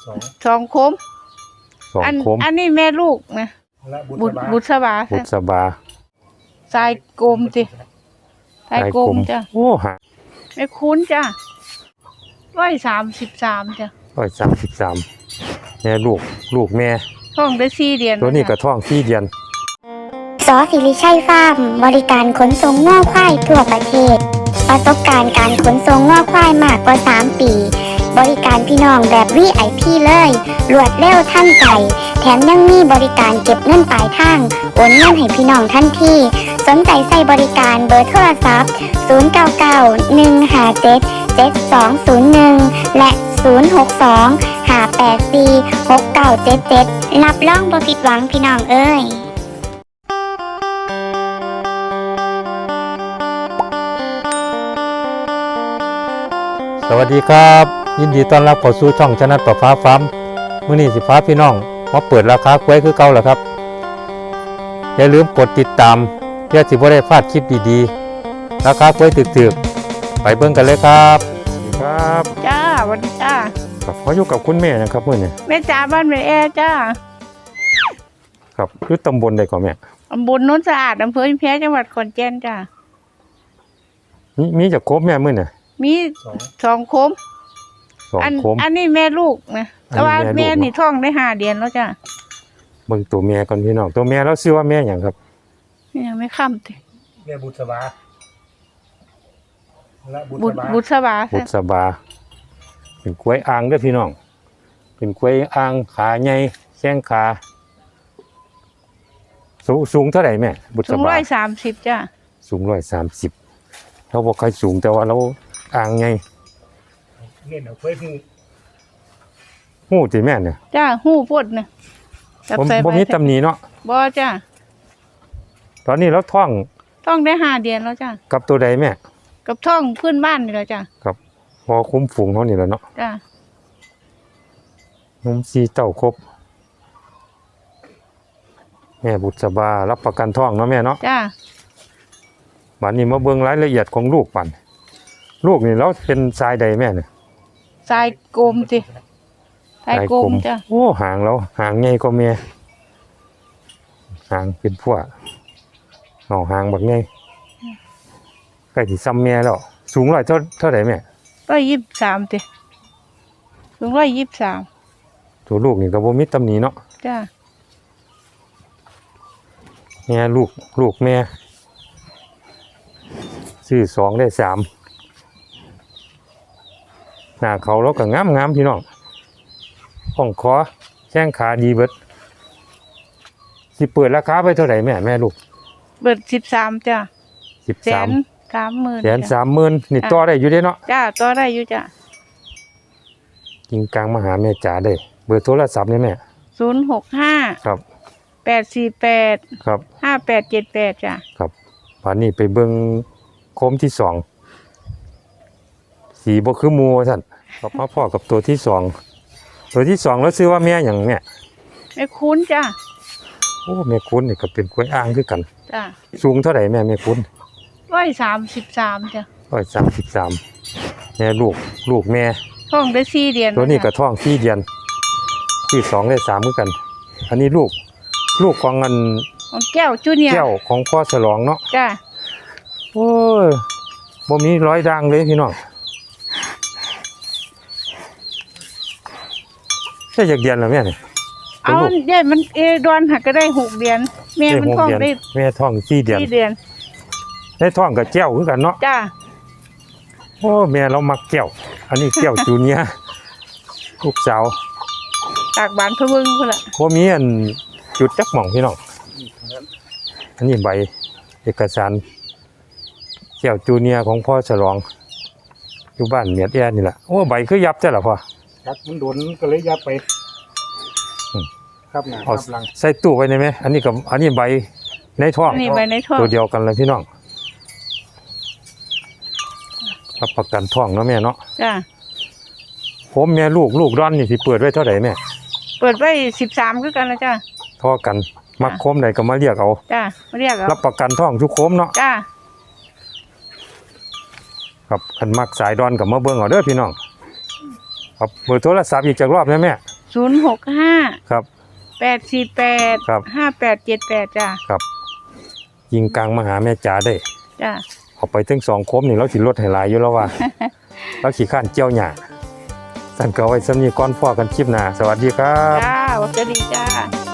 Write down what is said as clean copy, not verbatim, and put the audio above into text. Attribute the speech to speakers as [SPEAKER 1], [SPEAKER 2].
[SPEAKER 1] สองคมอันนี้แม่ลูกนะบุษบาทรายกลมสิทรายกลมจ้ะ
[SPEAKER 2] โอ้ฮะ
[SPEAKER 1] ไม่คุ้นจ้ะ133จ้ะ
[SPEAKER 2] 133แม่ลูกแม่
[SPEAKER 1] ท้องได้4 เดือน
[SPEAKER 2] ตัวนี้ก็ท้อง4 เดือน
[SPEAKER 3] สอศิริชัยฟาร์มบริการขนส่งง่อควายทั่วประเทศประสบการณ์การขนส่งง่อควายมากกว่า3 ปีบริการพี่น้องแบบ VIP เลยรวดเร็วทันใจแถมยังมีบริการเก็บเงินปลายทางโอนเงินให้พี่น้องทันทีสนใจใส่บริการเบอร์โทรศัพท์0991577201และ062-584-6977รับรองบ่ผิดหวังพี่น้องเอ้ย
[SPEAKER 2] สวัสดีครับยินดีต้อนรับเข้าสู่ช่องชนะประฟ้าฟาร์มมื้อนี้สิฟ้าพี่น้องมาเปิดราคากล้วยคือเก่าแล้วครับอย่าลืมกดติดตามเพื่อสิบ่ได้พลาดคลิปดีๆราคากล้วยถึกๆไปเบิ่งกันเลยครับครับ
[SPEAKER 1] จ้าสวัสดีจ้า
[SPEAKER 2] ครับขออยู่กับคุณแม่นะครับมื้อนี้
[SPEAKER 1] แม่จ๋าบ้านแม่แอจ้า
[SPEAKER 2] ครับคือตำบลใดก่อนแม่
[SPEAKER 1] ตำบลโน้นสะอาดอำเภออินแพจังหวัดขอนแก่นจ้า
[SPEAKER 2] มีจักครบแม่มื้อนี้
[SPEAKER 1] มี2 คมอันนี้แม่ลูกนะแต่ว่าแม่นี่ท้องได้5 เดือนแล้วจ้ะ
[SPEAKER 2] เบิ่งตัวแม่ก่อนพี่น้องตัวแม่แล้วชื่อว่าแม่หยังครับ
[SPEAKER 1] ยังไม่ค่ำติ
[SPEAKER 4] แม่บุษบา
[SPEAKER 1] บุษบา
[SPEAKER 2] เป็นกล้วยอ่างเด้อพี่น้องเป็นกล้วยอ่างขาใหญ่แข้งขาสูงเท่าไหร่แม่บุษบา
[SPEAKER 1] สูง130จ้ะ
[SPEAKER 2] สูง130เราบ่ค่อยสูงแต่ว่าเราอ่างใหญ่
[SPEAKER 4] เล่นเอากล้วย
[SPEAKER 2] หู้ติแม่เนี่ย
[SPEAKER 1] จ้าหู้ปดนะ
[SPEAKER 2] บ่มีตำหนิเนาะ
[SPEAKER 1] บ่จ้า
[SPEAKER 2] ตอนนี้เราท้อง
[SPEAKER 1] ได้5 เดือนแล้วจ้า
[SPEAKER 2] กับตัวใดแม่
[SPEAKER 1] กับท้องพื้นบ้านนี่แหละจ้า
[SPEAKER 2] ครับพอคุ้มฝูงเฮานี่แหละเนาะ
[SPEAKER 1] จ้
[SPEAKER 2] านม4 เต้าครบแม่บุษบารับประกันท้องเนาะแม่เนาะ
[SPEAKER 1] จ้า
[SPEAKER 2] บัดนี้มาเบิ่งรายละเอียดของลูกปันลูกนี่เราเป็นทรายใดแม่เนี่ย
[SPEAKER 1] ทรายกลมสิทรายกลมจ้ะ
[SPEAKER 2] โอ้หางแล้วหางใหญ่กว่าแม่หางเป็นพวกหางบักใหญ่ใกล้สิซ้ำแม่แล้วสูงเท่าไหร่แม่
[SPEAKER 1] 123ติสูง123
[SPEAKER 2] ตัวลูกนี่ก็บ่มีตำหนิเนาะ
[SPEAKER 1] จ้ะ
[SPEAKER 2] แม่ลูกแม่ซื้อ2ได้3หน้าเขาแล้วก็งามพี่น้องห้องคอแข้งขาดีเบิดสิเปิดราคาไปเท่าไหร่แม่ลูก
[SPEAKER 1] เปิด13จ้ะ
[SPEAKER 2] 130,000นี่ต่อได้อยู่เด้เนาะ
[SPEAKER 1] จ้าต่อได้อยู่จ้ะ
[SPEAKER 2] กิงกลางมาหาแม่จ๋าได้เบอร์โทรศัพท์นี่แม่
[SPEAKER 1] 065
[SPEAKER 2] ครับ
[SPEAKER 1] 848
[SPEAKER 2] ครับ
[SPEAKER 1] 5878จ้ะ
[SPEAKER 2] ครับป่านนี้ไปเบิ่งโคมที่2สีบ่คือหมู่ซั่นก็มาพ่อกับตัวที่2แล้วชื่อว่าแม่หยังแม่
[SPEAKER 1] คุ้นจ้ะ
[SPEAKER 2] โอ้แม่คุ้นนี่ก็เป็นกล้วยอ่างคือกัน
[SPEAKER 1] จ้ะ
[SPEAKER 2] สูงเท่าไหร่แม่คุ้น
[SPEAKER 1] 133จ้ะ
[SPEAKER 2] 133แม่ลูกแม่
[SPEAKER 1] ท้องได้4 เดือน
[SPEAKER 2] ตัวนี้ก็ท้อง4 เดือนที่2ได้3คือกันอันนี้ลูกของ
[SPEAKER 1] แก้วจูเนียร์
[SPEAKER 2] แก้วของพ่อฉลองเนาะ
[SPEAKER 1] จ้ะ
[SPEAKER 2] โอ้ยบ่มีรอยด่างเลยพี่น้องแค่อยากเดือนแล้วแม่เนี่ย
[SPEAKER 1] เอาได้มันดอนหักก็ได้6 เดือนแม่มันท้องได้
[SPEAKER 2] แม่ท้อง4 เดือนได้ท้องกับแก้วคือกันเนาะ
[SPEAKER 1] จ้ะ
[SPEAKER 2] โอ้แม่เรามักแก้วอันนี้แก้วจูเนียร์ลูกสาว
[SPEAKER 1] ตากบานพะเบิ่งพุ่นล่ะ
[SPEAKER 2] บ่มีอันจุดจักหม่องพี่น้องอันนี้ใบเอกสารแก้วจูเนียร์ของพ่อฉลองอยู่บ้านเมียดแอนี่แหละโอ้ใบคือยับแต่ละพ่อ
[SPEAKER 4] ยับมันโดนก็เลยยับไปครับนะ
[SPEAKER 2] เอาใส่ตู้ไว้ได้ไหมอันนี้ใบในท้องตัวเดียวกันเลยพี่น้องรับประกันท้องเนาะแม่เนาะ
[SPEAKER 1] จ้ะ
[SPEAKER 2] ผมแม่ลูกร้อนนี่สิเปิดไว้เท่าไหร่แม่
[SPEAKER 1] เปิดไว้13คือกันแล้วจ้ะ
[SPEAKER 2] ท่อกันมักโคมไหนก็มาเรียกเอา
[SPEAKER 1] จ้ะมาเรียกเอา
[SPEAKER 2] รับประกันท้องทุกโคมเนาะ
[SPEAKER 1] จ้ะ
[SPEAKER 2] ครับคันมักสายดอนกับมาเบิ่งเอาเด้อพี่น้องครับเบอร์โทรศัพท์อีกจักรอบนะแม่
[SPEAKER 1] 065
[SPEAKER 2] ครับ
[SPEAKER 1] 848
[SPEAKER 2] ครับ
[SPEAKER 1] 5878จ้ะ
[SPEAKER 2] ครับยิงกลางมาหาแม่จ๋าได้
[SPEAKER 1] จ้ะ
[SPEAKER 2] เอาไปถึง2คมนี่เราสิลดให้หลายอยู่แล้วว่า เราขี้ข้านเจียวหญ้าสั่นก็เอาไว้สำนี้ก่อนพอกันคลิปหน้าสวัสดีครับ
[SPEAKER 1] จ้าสวัสดีจ้า